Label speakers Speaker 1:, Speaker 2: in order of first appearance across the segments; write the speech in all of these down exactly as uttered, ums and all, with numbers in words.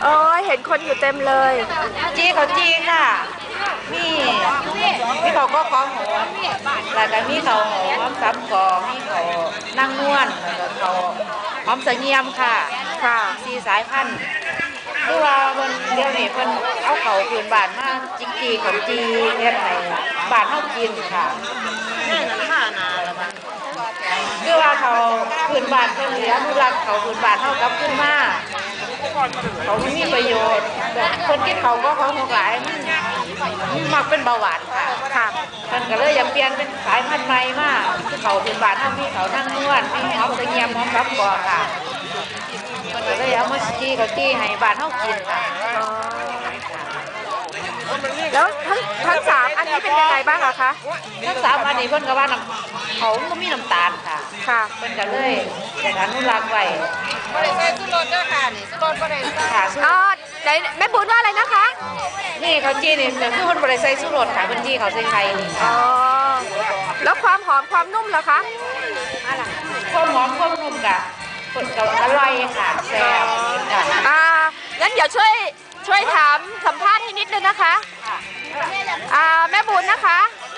Speaker 1: โอ้ยเห็นคนอยู่เต็มเลย
Speaker 2: จีเขาจีค่ะมีมีเขาก็คล้องหัวแล้วก็มีเขาหอมสับกอมีเขานั่งนวลแล้วก็เขาหอมเสงี่ยมค่ะ
Speaker 1: ค่ะ
Speaker 2: สี่สายพันธุ์คือว่ามันเดี๋ยวนี้เพิ่นเอาเขาคืนบานมาจิกจีเขาจีเฮ็ดให้บานเฮากินค่ะคือว่าเขาคืนบานเพิ่นอนุรักษ์เขาคืนบานเฮากลับขึ้นมาเขาไม่มีประโยชน์แบบคนกินเขาก็เขาหกหลายมันมันมักเป็นเบาหวานค่ะ
Speaker 1: ค่ะ
Speaker 2: มันก็เลยอยากเปลี่ยนเป็นสายพันธุ์ใหม่มาคือเขาคืนบานเฮามีเขานั่งนวลมีหอมตะเงียมหอมรับกอค่ะมันก็เลยเอามาจีเขาจีให้บานเฮากินค่ะ
Speaker 1: แล้วทั้งทั้งสามอันนี้เป็นยังไงบ้างอะคะ
Speaker 2: ทั้งสามอันนี้เพิ่นก็ว่าน้ำเขาก็มีน้ำตาลค่ะ
Speaker 1: ค่ะ
Speaker 2: เพิ่นก็เลยอยากอนุรักษ์ไว้
Speaker 3: บ่ได้ใส่สุรสเด้อค่ะนี่สุรสบ่ได้ใส่
Speaker 2: ค่ะ
Speaker 1: อ๋อไหนแม่บุญว่าอะไรนะคะ
Speaker 2: นี่เขาจีนี่คือเพิ่นบ่ได้ใส่ชูรสค่ะเพิ่นจีเขาใส่ไข่นี่
Speaker 1: อ๋
Speaker 2: ค่ะ
Speaker 1: อแล้วความหอมความนุ่มเหรอคะ
Speaker 2: อะไรความหอมความนุ่มกะเพิ่นก็อร่อยค่ะแซ่บค่ะ
Speaker 1: อ่างั้นเดี๋ยวช่วยช่วยถามสัมภาษณ์ให้นิดนึงนะคะอ่าแม่บุญนะคะ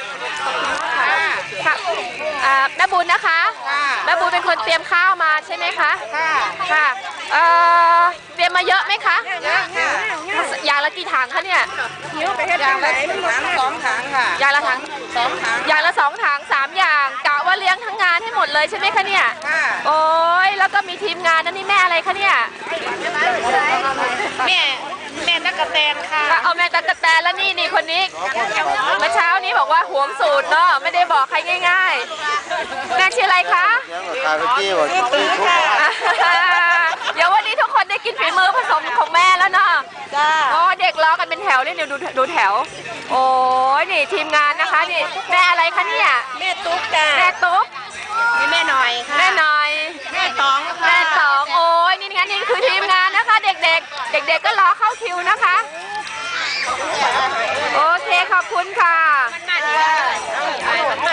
Speaker 1: ค่ะอ่าแม่บุญนะคะแม่บุญเป็นคนเตรียมข้าวมาใช่ไหมคะ
Speaker 3: ค่ะ
Speaker 1: ค่ะเอ่อเตรียมมาเยอะไหมคะ
Speaker 3: เยอะค่ะ
Speaker 1: อย่างละกี่ถังคะเนี่ย
Speaker 3: หิวไปเฮ็ดอย่างละถังสองถังค่ะ
Speaker 1: อย่างละถัง
Speaker 3: สองถัง
Speaker 1: อย่างละสองถังสามอย่างกะว่าเลี้ยงทั้งงานให้หมดเลยใช่ไหมคะเนี่ย
Speaker 3: ค่ะ
Speaker 1: โอ้ยแล้วก็มีทีมงานนั่นนี่แม่อะไรคะเนี่ย
Speaker 3: แม่แม่ตะกะแตนค่ะ
Speaker 1: เอาแม่ตะกะแตนแล้วนี่นี่คนนี้เมื่อเช้านี้บอกว่าหวงสูตรเนาะไม่ได้บอกใครง่ายๆแม่ชื่ออะไรคะ
Speaker 4: คาเฟ่จี้บอกที่ทุก
Speaker 1: เดี๋ยววันนี้ทุกคนได้กินฝีมือผสมของแม่แล้วเนาะ
Speaker 3: จ้า
Speaker 1: โอ้เด็กล้อกันเป็นแถวนี่เดี๋ยวดูดูแถวโอ้ยนี่ทีมงานนะคะนี่แม่อะไรคะเนี่ย
Speaker 3: แม่ตุ๊กจ้า
Speaker 1: แม่ตุ๊ก
Speaker 3: นี่แม่หน่อยค่ะ
Speaker 1: แม่หน่อย
Speaker 3: แม่ตอง
Speaker 1: แม่ตองโอ้ยนี่งั้นนี่คือทีมงานนะคะ เด็กๆ เด็กๆก็รอเข้าคิวนะคะโอเคขอบคุณค่ะ